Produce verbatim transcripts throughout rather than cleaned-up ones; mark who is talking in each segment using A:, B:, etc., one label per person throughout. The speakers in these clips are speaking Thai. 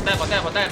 A: ดแต้มกดแต้มกดแต้ม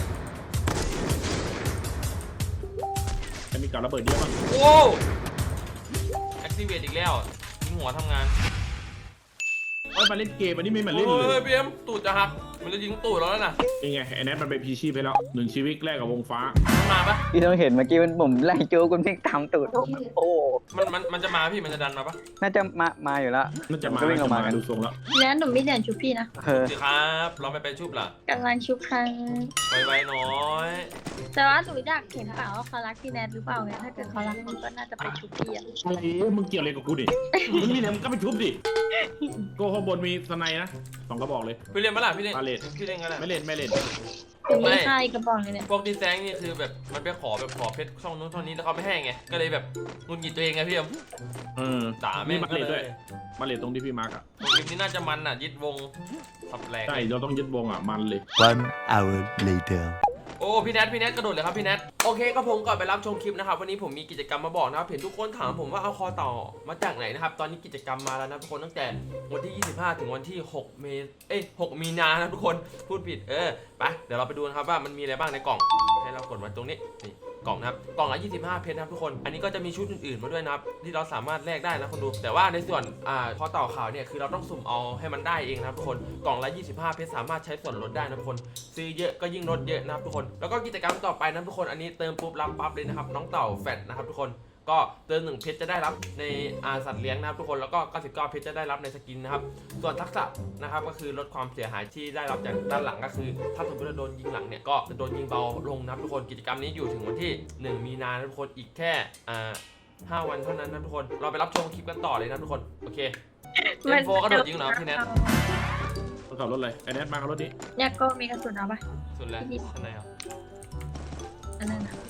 B: จะมีการระเบิดเยอะมั้ง
A: โอ้แอคทีเวตอีกแล้วยิงหัวทำงาน
B: เอ้ยมาเล่นเกมอันนี้ไม่มาเล่นเล
A: เฮ้
B: ย
A: ยพี่เอ็มตูดจะหักมันจะยิงตูดแล้วนะ
B: ยังไงไอ้แนทมันไปพีชีพไปแล้วหนึ่งชีวิตแรกกับวงฟ้า
A: มันมาปะ
C: พี่ต้องเห็นเมื่อกี้มันผมไล่โจ้คุณพี่ตามตูดโอ้
A: มันมันมันจะมาพี่มันจะดันมาปะ
C: น่าจะมามาอยู่แล้ว
B: น่าจะมา
C: ก็วิ่งออกมา
B: น่าจะดูทรงแล้ว
D: แล้วหนูไม่เรียนชุบพี่นะ
C: เออ
A: สิครับเราไม่ไปชุบล่ะ
D: กำลังชุบครั้ง
A: ไวๆน้อย
D: แต่ว่าหนูอยากเห็นเปล่าว่าเขารักพี่แนทหรือเปล่าไงถ้าเกิดเขารักมึงก็น่าจะไปชุบพี่อะ
B: อะไรมึงเกี่ยวอะไรกับกูดิมึงนี่เนี่ยมึงก็ไปทุบดิโก้ข้างบนมีสไนนะสองกระบอกเลย
A: พี่เล่นปะล่ะพี่เล่น
B: ปาเลต
A: พี่เล่นกันแหละ
B: ไม่เล่นไม่เล่น
D: ถึงมีค่ายกระบอกเลยเนี่ย
A: พวกดีแซงนี่คือแบบมันไปขอแบบขอเพชรช่องนู้นช่องนี้แล้วเขาไม่ให้ไงก็เลยแบบงุนหงิดตัวเองไงพี่เอ็ม
B: เออ
A: ด่าแม่ง
B: มา
A: ก็
B: เลต
A: เล
B: ด้วย ยมาเลตตรงที่พี่มาร์กอ่ะ
A: คลิปนี้น่าจะมันอ่ะยึดวงสับแหลก
B: ใช่เราต้องยึดวงอ่ะมันเลย
E: One hour later.
A: โอ้พี่แนทพี่แนทกระโดดเลยครับพี่แนทโอเคก็ผมก่อนไปรับชมคลิปนะครับวันนี้ผมมีกิจกรรมมาบอกนะครับเห็นทุกคนถามผมว่าเอาคอต่อมาจากไหนนะครับตอนนี้กิจกรรมมาแล้วนะทุกคนตั้งแต่วันที่ยี่สิบห้าถึงวันที่หกเมษเอ้ยหกมีนานะทุกคนพูดผิดเออไปเดี๋ยวเราไปดูนะครับว่ามันมีอะไรบ้างในกล่องให้เรากดมาตรงนี้นี่กล่องนะครับกล่องละยี่สิบห้าเพชรนะครับทุกคนอันนี้ก็จะมีชุดอื่นๆมาด้วยนะครับที่เราสามารถแลกได้นะคนดูแต่ว่าในส่วนอ่าคอต่อขาวเนี่ยคือเราต้องสุ่มเอาให้มันได้เองนะครับทุกคนกล่องละยี่สิบห้าเพชรสามารถใช้ส่วนลดได้นะทุกคนซื้อเยอะก็ยิ่งลดเยอะนะครับทุกคนแล้วก็กิจกรรมต่อไปนะทุกคนอันนี้เติมปุ๊บรับปั๊บเลยนะครับน้องเต่าแฟตนะครับทุกคนก็เติมหนึ่งเพชรจะได้รับในอาสัตว์เลี้ยงนะครับทุกคนแล้วก็เก้าสิบเก้าเพชรจะได้รับในสกินนะครับส่วนทักษะนะครับก็คือลดความเสียหายที่ได้รับจากด้านหลังก็คือถ้าสมมติเราโดนยิงหลังเนี่ยก็จะโดนยิงเบาลงนะครับทุกคนกิจกรรมนี้อยู่ถึงวันที่หนึ่งมีนานะทุกคนอีกแค่อ่าห้าวันเท่านั้นนะทุกคนเราไปรับชมคลิปกันต่อเลยนะทุกคนโอเคเอ็มโฟกระโดดยิงเหรอพี่แนท
B: ต้องขับรถเลยไอ้แนทมาขับรถนี้
D: เนี่ยก็มีกระสุนเอาปะ
A: สุดแล้วข้างในอ่ะ
D: อันนั้นนะ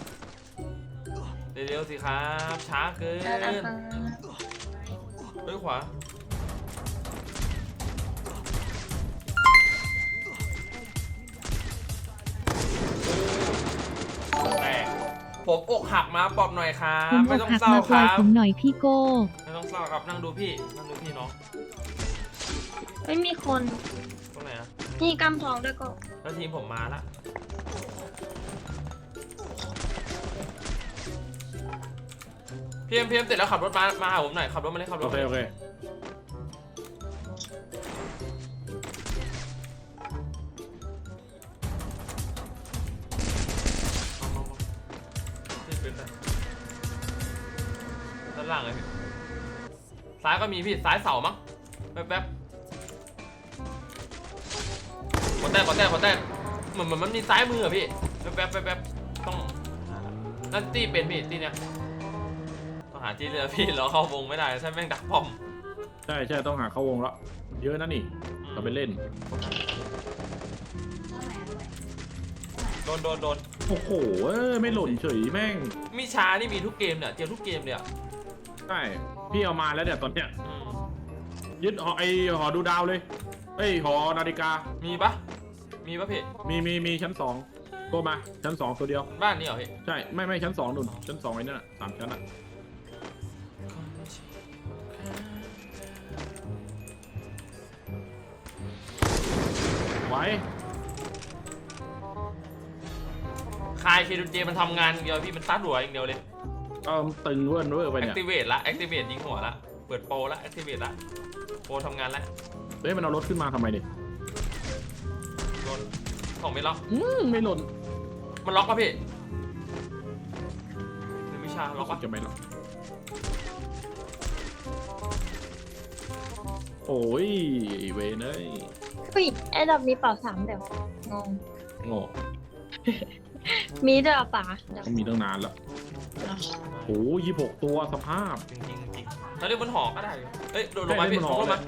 A: เร็วๆสิครับช้าเกิน
D: แล้วนะคะ
A: เฮ้ยขวาแตกผมอกหักมาปลอบหน่อยครับ
F: ผม
A: ไม่
F: อก
A: ต้อง
F: หัก
A: เศร้า
F: มา
A: ค
F: ปล่อย
A: รับ
F: ผมหน่อยพี่โก้
A: ไม่ต้องเศร้าครับนั่งดูพี่นั่งดูพี่น้อง
D: ไม่มีคน
A: ตรงไหนอ่ะ
D: นี่กำทองด้วยก็
A: แล้วทีมผมมาละพี่เอ็มพี่เอ็มเสร็จแล้วขับรถมามาหาผมหน่อยขับรถมาเลยขับร
B: โอ
A: ถ
B: เค
A: มา
B: โอเค
A: ที่เป็นด้านล่างเลยพี่ซ้ายก็มีพี่ซ้ายเสามั้งแป๊บๆกดแต้มกดแต้มกดแต้มเหมือนเหมือนมันมีซ้ายมืออะพี่แป๊บๆแป๊บๆต้องนั่นตีเป็นพี่ตีเนี้ยต้องหาที่เรือพี่เราเข้าวงไม่ได้ใช่แม่งดักป้อม
B: ใช่ใช่ต้องหาเข้าวงแล้วเยอะนะนี่เราไปเล่น
A: โดนโดนโดน
B: โอ้โหเอ้ยไม่หล่นเฉยแม่ง
A: มีช้านี่มีทุกเกมเนี่ยเจอทุกเกมเลยอ่ะ
B: ใช่พี่เอามาแล้วเนี่ยตอนเนี้ย
A: อืม
B: ยึดหอไอหอดูดาวเลยเอ้ยหอนาฬิกา
A: มีปะมีปะพี่
B: มีมีมีชั้นสองโก้มาชั้นสองตัวเดียว
A: บ้านนี้เหรอพี่
B: ใช่ไม่ไม่ชั้นสองนุ่นชั้นสองไอ้นั่นน่ะสามชั้นอ่ะไว้
A: คายเคดูเจมันทำงานอย่างเดียวพี่มันซัดหัวอย่างเดียวเลย
B: ก็ตึงเวิร์นเวอร์ไป
A: แอค
B: เนี่ย
A: ทีเวตละแอคทีเวตยิงหัวละเปิดโปรละแอคทีเวตละโปรทำงานละ
B: เฮ้ยมันเอารถขึ้นมาทำไมเนี่ย
A: โดนของไม่ล็อก
B: อืมไม่หล่น
A: มันล็อกปะพี่หรือวิชาล็อกปะ
B: จะไม่หรอกโอ้ยไอ้เวนเอ้ย
D: ผู้หญิงไอ้ดอกมีเป่าสามเดี๋ยวงง
B: โง่
D: มีด้วยเหรอป๋าเดี๋ยว
B: ต้องมีตั้งนานแล้วโอ้ยยี่หกตัวสภาพ
A: จริงจริงจริงถ้าเล่นบนหอก็ได้อยู่เอ้ยโดนลงมา
B: ได้เล่
A: พี่
B: นบน
A: ล
B: หอ
A: งมา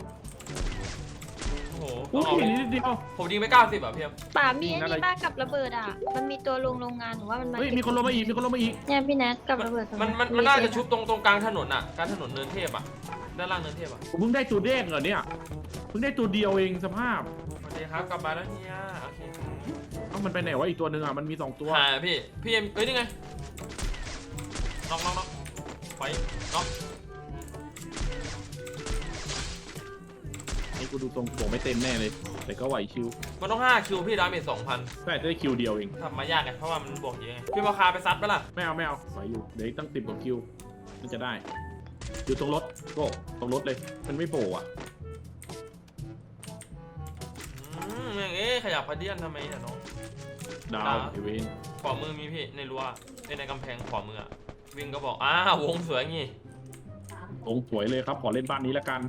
A: โอ้โห
B: โอ้
A: ต้อง
B: ย
A: เอา
B: นิดเดียว
A: ผมยิงไปเก้าสิบอ่ะพี่เอ็ม
D: ป๋ามีไอ้
B: นั่นอะไร
D: นี่บ้างกับระเบิดอ่ะ มันมีตัวลงโรงงานหรือว่ามันมา
B: เฮ้ยมีคนลงมาอีกมีคนลงมาอีก
D: เนี่ยพี่แนทกับระเบิดตรง
A: มันมันมันน่าจะชุบตรงตรงกลางถนนอ่ะกลางถนนเนินเทพอ่ะด้านล่างเนินเทพอ่ะ
B: ผมเพิ่งได้ตัวเด้งเหรอเนี่ยเพิ่งได้ตัวเดียวเองสภาพ
A: โอเคครับกลับมาแล้วเนี่ยโอเค
B: เอ้ามันไปไหนวะอีกตัวหนึ่งอ่ะมันมีสองตัว
A: หาพี่พี่เอ็มเอ้ยนี่ไงน็อกน็อกน็อกไปน็อก
B: ไอ้กูดูทรงบอกไม่เต็มแน่เลย แต่ก็ไหวชิว
A: มันต้องห้าคิวพี่ดาเมจสองพัน
B: ใช่ได้คิวเดียวเอง
A: ทำมายากไงเพราะว่ามันบวกเยอะไงพี่มาคาไปซัดไปล่ะ
B: ไม่เอาไม่เอาไหวอยู่เดี๋ยวอีกตั้งสิบกว่าคิวมันจะได้อยู่ตรงรถก็ตรงรถเลยมันไม่โผล่อะ
A: อืมอย่างเอ๊ะขยับพาเดียนทำไมเนี่ยน้อง
B: ดาว
A: ดาว
B: ไอเวน
A: ขวามือมีพี่ในรั้วในกำแพงขวามืออะวิ่งก็บอกอ้าววงสวยงี้
B: ตรงสวยเลยครับขอเล่นบ้านนี้แล้วกัน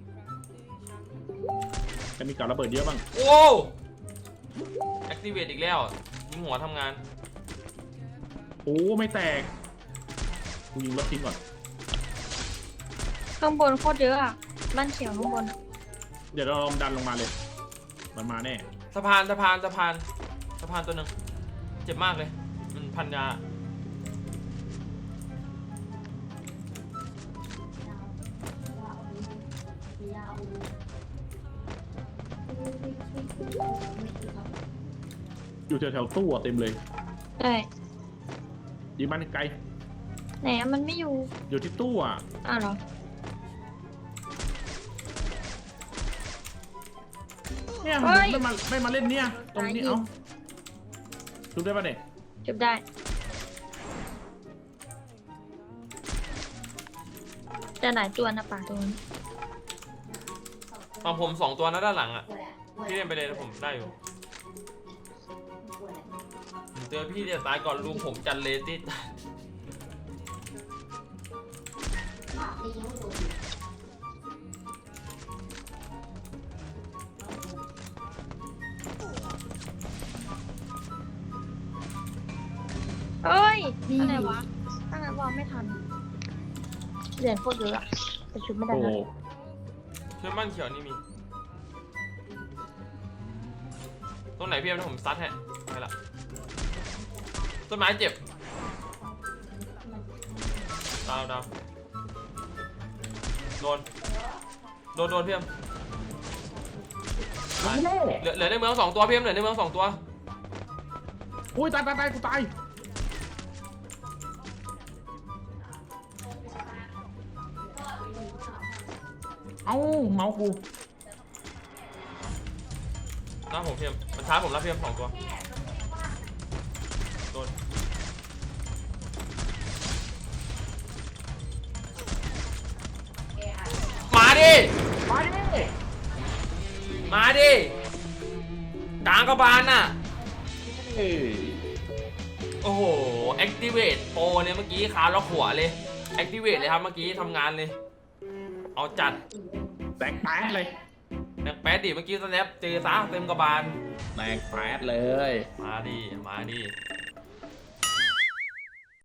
B: จะมีกับระเบิดเยอะบ้าง
A: โอ้แอคทีเวตอีกแล้วยิงหัวทำงาน
B: โอ้ไม่แตกกูยิงรถทิ้งก่อน
D: ข้างบนโคตรเยอะอ่ะบ้านเขียวข้างบนอะ
B: เดี๋ยวเราลองดันลงมาเลย มันมาแน่
A: สะพานสะพานสะพานสะพานตัวหนึ่งเจ็บมากเลยมันพันยา
B: อยู่แถวๆตู้อะเต็มเลย
D: ใช่
B: ยิงมันไกล
D: ไหนอะมันไม่อยู่
B: อยู่ที่ตู้อ่ะ
D: อ้าวเหรอ
B: เนี่ย
D: เฮ้ย
B: ไม่มาไม่มาเล่นเนี่ยตรงนี้
D: ตายอีก
B: เอ้าชุบได้ปะเนี่ย
D: จุบได้จะหลายตัวนะป่าตัวนี้
A: ฝั่งผมสองตัวนะด้านหลังอ่ะพี่เล่นไปเลยนะผมได้อยู่ผมเจอพี่จะตายก่อนลุงผมจันเลติด
D: เอ้ยอะไรวะตั้งแต่วอลไม่ทันเหรียญโคตรเยอะอะแต่ชุดไม่ได้
B: โอ้
D: นะ
A: เชื่อมั่นเขียวนี่มีตรงไหนพี่เอ็มผมซัดให้ไปละต้นไม้เจ็บดาวดาวโดนโดนโดนพี่เอ็มตายเหลือเหลือในเมืองสองตัวพี่เอ็มเหลือในเมืองสองตัว
B: โอ้ยตายตายตายกูตายเอ้าเมาส์กู
A: หน้าผมพี่เอ็มมันช้าผมแล้วพี่เอ็มสองตัวโดนมาดิมาดิมาดิกลางกระบาลน่ะ
B: เอ้ย
A: โอ้โห activate โปรเนี่ยเมื่อกี้ขาล็อกหัวเลย activate เลยครับเมื่อกี้ทำงานเลย เอาจัด
B: แตกแป๊ดเลย
A: แนักแป๊ดดิเมื่อกี้สแนปเจอซะเต็มกระบาล
B: แตกแป๊ดเลย
A: มาดิ มาดิ